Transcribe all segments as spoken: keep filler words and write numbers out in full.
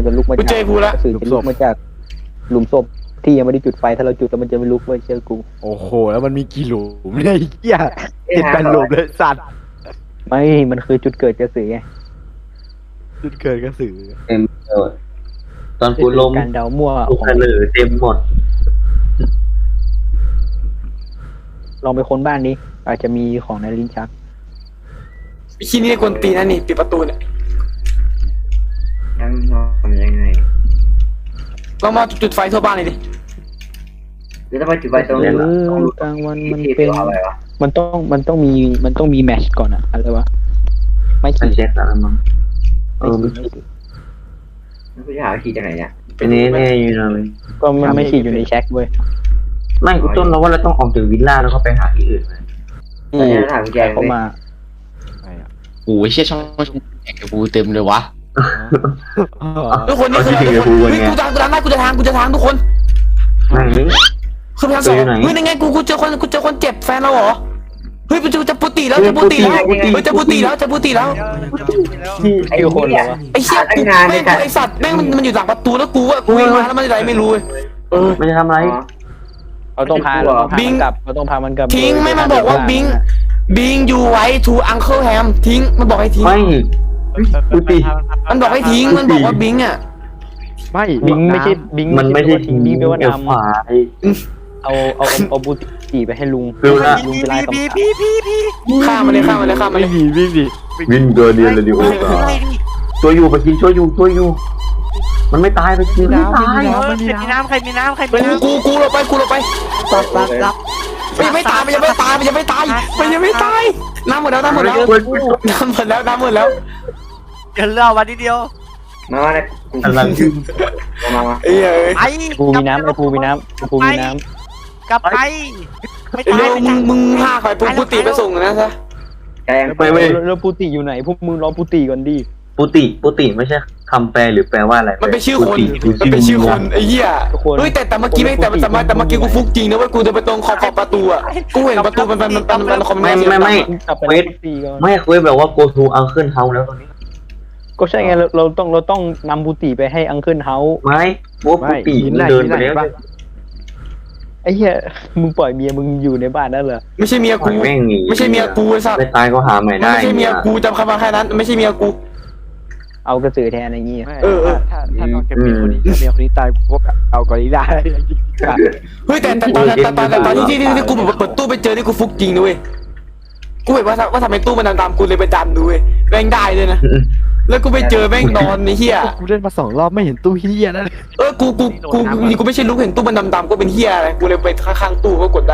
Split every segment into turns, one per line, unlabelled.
จะลุกมา
กู
จาก
เจอกูละ
กระสือจะลุกมาจากหลุมศพที่ยังไม่ได้จุดไฟถ้าเราจุดแล้วมันจะไม่ลุกเว้ยเชื่อกู
โอ้โหแล้วมันมีกี่หลุมเนี่ยไอ้เหี้ยเจ็ดแปดหลุมเลยสัตว์
ไม่มันคือจุดเกิดกระสือไง
จุดเกิดกระสือ
เต็มเออตอนกูล้ม
การเดามั่ว
กู
ของ
กระเหลือเต็มหมด
ลองไปค้นบ้านนี้อาจจะมีของในลิ้นชัก
ไอ้ขี้นี่กวนตีนนะนี่ปิดประตูเนี่ย
ยังทำยังไง
ลองมาจุดไฟทั่วบ้านเลยดิ
หรือถ้าไปจุดไฟตรง
เอ
นี้
อกลางวันมัน
ที่
เป็น
อะไรวะ
มันต้องมันต้องมีมันต้องมีแมชก่อนอะอะไรวะไม่
มัน
ขีด
เช็คแล้วมั้งเอ
ไม่
อ
ขี
ไม่
ดไม่ขีด
กูจะหาวิธีจากไหนเนี่ย
เป็นนี้แน่อยู่นะเลย
ก็มันไม่ขีดอยู่ในแช็คเว้ย
ไม่กูต้นเราว่าเราต้องออกจากวิลล่าแล้วก็ไปหาที่อื่นไหม
ตอนนี้เราถามกุญแจ
เข้า
เลย
มา
ไอ้อะ
โอ้ยเชี่ยช่องแข่งกับกูเต็มเลยวะ
ทุกคนนี่คืออะไรทุกคนเฮ้ยกูจะกูจะทางได้กูจะทางกูจะทางทุกคน
ไม่หรือ
คือพยายามสองเฮ้ยยังไงกูกูเจอคนกูเจอคนเจ็บแฟนเราเหรอเฮ้ยกูจะจะปุติแล้วจะปุติแล้วเฮ้ยจะปุติแล้วจะปุติแล้ว
ไอ้
คิวคน
เหี้
เหร
ย
อวะ
ไอ้เชี่ยกูแม่งไอ้สัตว์แม่งมันมันอยู่หลังประตูแล้วกูว่ากูวิ่งมาแล้วมันอะไรไม่รู้
เออไม่ได้ทำอะไร
เราต้องพาเราต้องพามันกลับเราต้องพามันกลับ
ทิ้งไม่มันบอกว่าบิงบิงยูไว้ทูอังเคิลแฮมทิ้งมันบอกให้ทิ้ง
ไม่กูตี
มันบอกให้ทิ้งมันบอกว่าบิงอ่ะ
ไม่
บิงไม่ใช่บิง
มันไม่ใช่
ทิ้งบิงแปลว่า
เอว
ดำ
ขวา
เอาเอาเอาบูตีไปให้ลุง
ฟิวละ
ลุงจะไล่คำถาม
ฆ่ามันเลยฆ่ามันเลยฆ่ามัน
ไม่
เลย
มีวิ่งดิ
วินตัวเดียวเลยดิโอ้ช่วยอยู่ไปกินช่วยอยู่ช่วยอยู่ มันไม่ตายไปกินไม่ตาย
มันมีน้ำ
ใครมีน้ำใครมี
กู
น้ำ
กูกูเราไปกูเราไป
รับรับรับ
มันยังไม่ตายมันยังไม่ตายมันยังไม่ตายมันยังไม่ตายน้ำหมดแล้วน้ำหมดแล้วน้ำหมดแล้วน้ำหมดแล้ว
เดี๋ยวเล่าวันทีเดียว
มามาเนี่ยกู
อะไร
มามา
เอ้ยเอ้ย
ไป
ปูมีน้ำไอ้ปูมีน้ำไอ้ปูมีน้
กลับไปไม่
เร็
ตายว
มึงมึงฆ่าใครปุ๊บกูตีไปส่งนะซะ
แกง
ำ
ไปเว้ย
แล้วแล้วปูติอยู่ไหนพวกมึงรอปูติก่อนดิ
ปุติปุติไม่ใช่คำแปลหรือแปลว่าอะไร
มันเป็นชื่อคนมันเป็นชื่อคนไอ้เหี้ยเฮ้ยแต่แต่เมื่อกี้ไม่แต่แต่แต่เมื่อกี้กูฟุกจริงนะเว้ยกูจะไปตรงขอบขอบประตูอ่ะกูเห็นประตูมันมันมันมันคอมเม
ไม่
นต์
ไม่ไม่
กลับไปแล้วปูติก่อน
ไม่คุยแบบว่า go to uncle house แล้วตอนนี้
ก็ใช่ไงเราเราต้องเราต้องนำปูติไปให้อังเคิลเฮาส์
ไม่ว่าปุติมันเดินไปแล้ว
ไอ้เหี้ยมึงปล่อยเมียมึงอยู่ในบ้านนั่นเหรอ
ไม่ใช่เมียกู
แม่งหนี
ไม่ใช่เมียกูไอ้สัส
ไม่ตายก็หาใหม่ได้
ไม่ใช่เมียกูจำคำมาแค่นั้นไม่ใช่เมียกู
เอากระสือแทนอะไรเงี้ย
เออถ้าถ้านอกจากเมียคนนี้ถ้าเมียคนนี้ตายพวกเอากอริลลา
เฮ้ยแต่แต่ตอนแต่ตอนแต่ตอนที่ที่ที่กูเปิดตู้ไปเจอที่กูฟุกจริงนะเว้ยกูเห็นว่าว่าทำไมตู้มันดำๆกูเลยไปดันดูเว้ยแม่งได้เลยนะแล้วกูไปเจอแม่งนอนในเหี้ย
กูเล่นมาสองรอบไม่เห็นตู้เฮียนั่น
เออ กู กู กู กูกูไม่ใช่ลูกเห็นตู้มันดำๆก็เป็นเฮียอะไร กูเลยไปข้างๆตู้ก็กดได้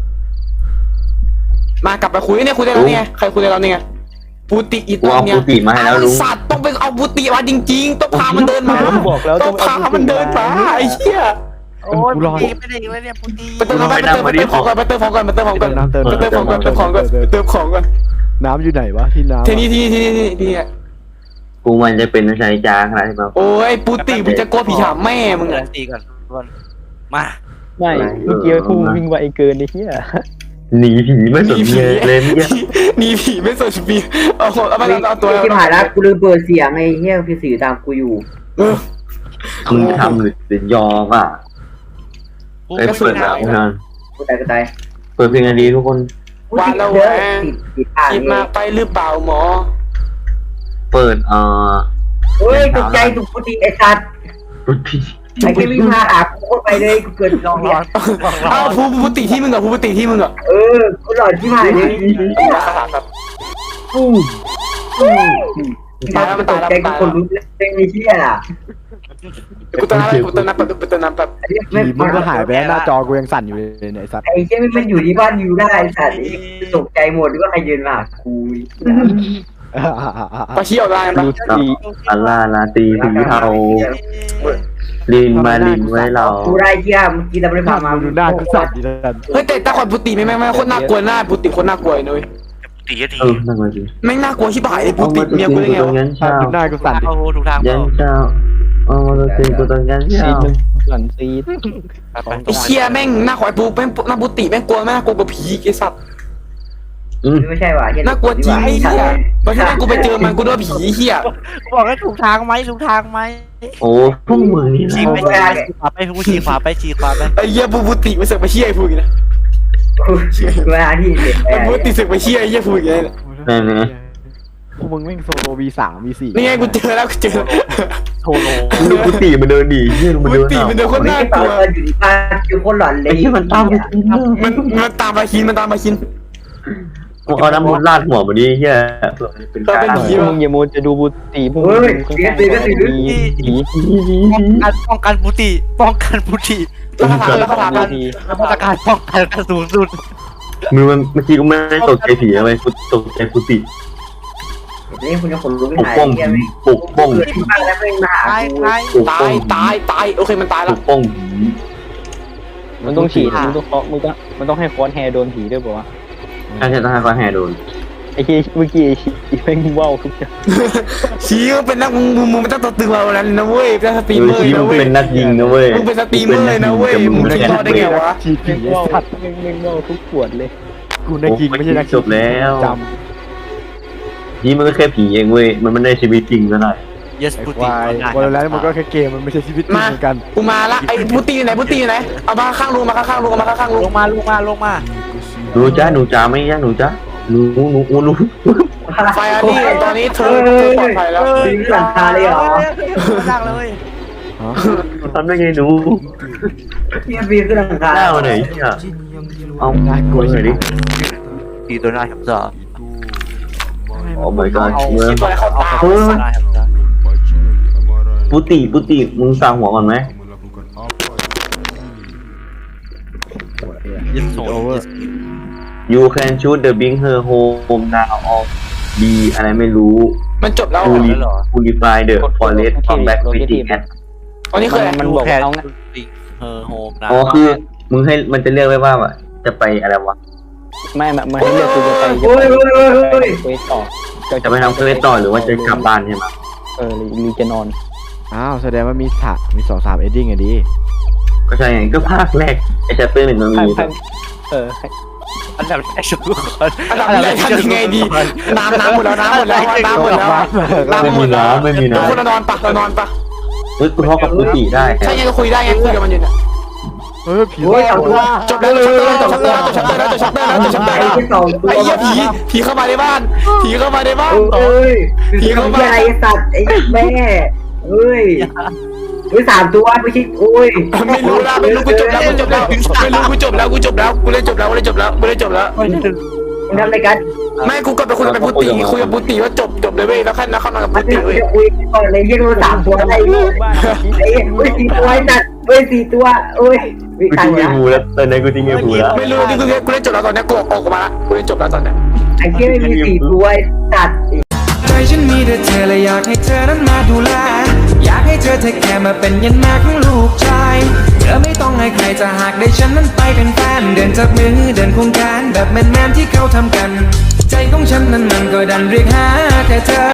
มากลับไปคุยเนี่ยคุยได้แล้วเนี่ยใครคุยได้แล้วเนี่ยปูติอี
กู
ตัว
เอา
เนี่ย
ปุติมาให้แล้วลุง
สัตว์ต้องไปเอาปูติมาจริงๆ ต้องพามันเดินมา
บอกแล้ว
ต้
ต้
อ
อง ง
พามันเดินมาไอ้เหี้ย
โอ้ยพุตีไม่ได้อีกแล้วเนี่ยพุตี
ไปเติมน้ำไปเติมไปเติมของก่อนไปเติมของก่อนไปเติมของก่อน
น้ำเติม
ไปเติมของก่อนไปเติมของก่อนไปเติมของก่อน
น้ำอยู่ไหนวะที่น้ำ
ทีนี้ทีนี้ทีนี้ทีนี้ทีนี้
กูมันจะเป็นชายจาขนาดที่แบบ
โอ้ยปูติมึงจะโกลัวผีฉาบแม่มึง
เงิ
อะ
นตีก่อนทุกคนมา
ไม่เมื่อกี้พูวิ่งไวเกินไอ้เหี้ย
หนีผีไม่สนเมียเลยเมื่อกี้
หนีผีไม่สนผีเอาเอาไปเอาตัว
ที่ผ่านแล้วกูลืมเปิดเสียงไอ้เหี้ยพี่สื่อตามกูอยู่
เออ
มึงทำหรือหรือยอมอ่ะ
กู
ไอ้
ไม่
เปิด
น้
หนังนาน
กูตายกูตาย
เปิดเพลงดีทุกคน
กูติดเยอะติดติดอ่าน
คิดมากไปหรือเปล่าหมอ
เปิดเอ่อ
เฮ้ยตกใจถูกกูติไอ้สัตว์
รุ่นพี่
ไอ้แค่วิ่งมาหากูไปเลยกูเกิด
ำลองร้อนลองร้อ
อ้าวน ภูภูติที่มึงอะภูภูติที่มึงอะ
เออกูหลอนที่มาเลย
ราคาครับ
กูตายแล้วตกใจกูคนรู้เรื่องนี้เชี่ยล่ะ
กูเติมน้ำกูเติมน้ำแป๊บกูเติมน้ำแป๊บ
ผีมึงก็หายไปแล้วหน้าจอกูยังสั่นอยู่เลยเนี่ยไอ้สัตว์
ไอ้เชี่ยมันอยู่ที่บ้านอยู่ได้สัตว์ตกใจหมดว่าใครยืนมากู
ปลาเชี่ยวได้ปะ
ดูสิ
อัลลาลาตีผีเทาลินมาลินไว้เรา
กูได้เชี่ยเมื่อกี้เราไม่ได้พามา
ดูหน้ากูสั่นดีแล้วกัน
เฮ้ยแต่ตาคนปุติไม่ไม่ไม่โคตรน่ากลัวหน้าปุติโคตรน่ากลัวเลย
พุตีที
เออนั่นมาสิ
แม่งน่ากลัวชิบหายเลยปุ
เอา
ติ
มาตัว
เมีย
จริ
กู
ง
ได้
กู
ไง
ตรง
วะ
ยันเช้า
ดูหน้ากูสั่นดิ
เอาถูกทาง
ยันเช้าเอามาตัวจริงกูตรงยัน
ซี
เช้า
ดมันหลันซีด
ไอ้เชี่ยแม่งหน้าขอยปูแม่งหน้าปุติแม่งกลัวแม่งน่ากลัวกว่าผีไอ้สัตว์
อืม
ไม่ใช่ว่ะเหี้ย
น่ากลัวจริงไอ้เหี้ยตอนที่แรกกูไปเจอมันกูโดนผีเหี้ย
บอกให้ถูกทางไหมถูกทางไหม
โอ้พวกมึงนี่
ชี้
นะ
ไปชี้ขวาไปกูชี้ขวาไปชี้ขวาไป
ไอ้เหี้ยบูบูติมาเสือกไปเชี่ยไอ้พูดอีกนะ
เวลาที่เด็กไป
ไอ้บูติเสือกไปเชี่ยไอ้เหี้ยพูดอีกแล้ว
นั่นนะ
พวกมึงแม่งโซโลวีสามวีสี่
นี่ไงกูเจอแล้วกูเจอ
โซโล
ดูกุฏิมันเดินดีเฮียมัน
บู
เดิน
ติมันเดินคนน่ากลัว
อยู่ที่บ้านคือคนหลอนเลย
ไอ้เฮียมันตามไปกิน
มันมันตามมาคินมันตามมาคิน
มึงเอาน้ำมันราดหัวมันดิเฮียเป็นการ
เป็นผี
พวกมึงอย่าโมจะดูบุตรีพวกมึ
เฮ้
ง
ยเสียตีก็ตี
มีผี
ป้องกันป้องกันปุติป้องกันปุติ
แล้วก็ถามแล้วก็ถาม
ผี
มาตรการป้องกันกระสูงสุด
มือมันเมื่อกี้กูไม่ได้ตกใจผีอะไรกูตกใจกุฏิ
นี่คุณจะขนลุก
ป
ไม่
ก
หาย
ป้อง
เหี้ย
ปกป้อง
เกิดที่บ้านแล้วไม่มาหา
ตาย
กู
ตาย
ปก
ตา
ป้อง
ยตายตายโอเคมันตาย
ป
แล้ว
กป้อง
มันต้องฉีดมันต้องเคาะมึงต้องมันต้องให้ค้อนแฮโดนผีด้วยป่าวะ
ถ้าจะต้องให้เขาแห่โดน
ไอ้ที่เมื่อกี้ไอ้ชี้แม่งว่าวทุกอย่าง
ชี้ก็เป็นนักมึงมึงมึงไม่ต้องตัวตึงเราแล้วนะเว้ยเป็นสตรีม
ดู
เมอร์
ชี
นะ
มึง
เว้ย
เป็นนักยิงนะเว้ย
มึงเป็นสตรีมเมอร์นะเว้ยมึงคิดรอดได้ไงวะ
ฉีดผี
แม่งว่าว
สัตว์
แม่งแม่งว่าวทุกขวดเลย
กูนักยิงไม่ใช่นัก
จบแล้ว
จ
นี่มันก็แค่ผีเองเว้ยมันไม่ได้ชีวิตจริงซะหน่อย
เยส
ำไอ้
ปุ
ค
ติ
วายวันแล้วมันก็แค่เกมมันไม่ใช่ชีวิตจริงเหมือนกัน
กูมาละไอ้พุตตี้อยู่ไหนพุตตี้อยู่ไหนเอามาข้างลุงมาข้างลุงเอามาข้างลุง
ลงมาลงมาลงมา
หนูจ้าหนูจ้าไม่ยากหนูจ้าหนูหนูหนูหนู
ไฟอันนี้ตอนนี้เธอเธอปลอดภัยแล้ว
ปีนหลังคาเลยเหรอ
สร้างเลย
ทำได้ไงหนู
เนี่ยปีนขึ้นหลังคา
หน้ามาไหนเนี่ยเอา
น่ากลัว
หน่อยดิ
ตีตัวหน้าครับจ้า
โอ้ my god
เอา
เมื่อ
คิดตัวอะไรเข้าตา
เออปุติปุติมึงสร้างหัวก่อนไหม
ยินส่ง
โอเวอร์
You can shoot the bring her home now or be อะไรไม่รู้
มันจบแล้ว
Puri- Purify the forest from back within at
ตอนนี้คืออะไร
มันบอกเอางั้น
เออโฮมนะ
อ๋อคือมึงให้มันจะเลือกไว้ว่าแบบจะไปอะไรวะ
ไม่ไม่ไม่ให้เลือกกูจะไปจะ
โอ้ยโอ้ยโอ้ยโอ้ย
ไปต่อ
จะไปทำเควสต่อหรือว่าจะกลับบ้านใช่ไหม
เออหรือจะนอน
อ้าวแสดงว่ามีฉากมีสองสามเอดดิ้งอะดิ
ก็ใช่ไงก็ภาคแรกไอ้แชปเตอร์หนึ่งมัน
ให้
มี
ให้เออให้
อันดับแรกสุดคน
อันดับแรกทำยังไงดีน้ำน้ำหมดแล้วน้ำหมดแล้วน้ำหมดแล้วน้ำ
ไม่
หม
มี
ดแล้ว
น้ำไม่มี
ทุกคน
น้ำ
นอนปะเรานอนปะ
เฮ้ยกูทอกับปุติได้
ใช่ไงก็คุยได้ไงคุยกับมันอยู่เนี่ย
เออผี
โอ้ยเอาตัว
จบแล้วจบชัปเตอร์แล้วจบชัปเตอร์แล้วจบชัปเตอร์แล้วจบชัปเตอร์แล้วจบชัปเตอร์แล้ว
ไอ้ที่สองตัว
ไอ้เหี้ยผีผีเข้ามาในบ้านผีเข้ามาในบ้าน
เอ้ยผีเข้ามาไอ้สัตว์ไอ้แม่เอ้ยเฮ้ยสามตัวไม่ใช่โอ้ย
ไม่รู้ละไม่รู้กูจบแล้วกูจบแล้วไม่รู้กูจบแล้วกูจบแล้วกูเล่นจบแล้วกูเล่นจบแล้วกูเล่นจบแล้ว
มึงทำอะไรกัน
ไม่กูก็ไปคุยกับพุตติคุยกับพุตติว่าจบจบเลยเว้ยแล้วค่อยแล้วเข้านอนกับ
มั
พุ
น
ตติ
จะ
เว้ย
คุยก่อนเลยเรียกเราสามตัวอะไรเนี่ยไอ้เฮ้ยสี่ตัวไอ้สัตว์เฮ้ยสี่ตัวเอ้ยวิ
กู
ตาย
ทิ้งไอ้
แล้ว
บูแล้วตอนนี้กูทิ้งไอ้บูแล้ว
ไม่รู้นี่กูกูเล่นจบแล้วตอนนี้กูออกมาละกูเล่นจบแล้วตอนนี้
ไอ้เหี้ยไม่มีสี่ตัวไอ้สัตว์
ใจฉันมีแต่เธอและอยากให้เธอนั้นมาดูแลอยากให้เธอเทคแคร์มาเป็นยันแม่ของลูกชายเธอไม่ต้องให้ใครจะหากได้ฉันนั้นไปเป็นแฟนเดินจับมือเดินควงแขนแบบแมนๆที่เขาทำกัน ใจของฉันนั้นมันก็ดันเรียกหาแต่เธอ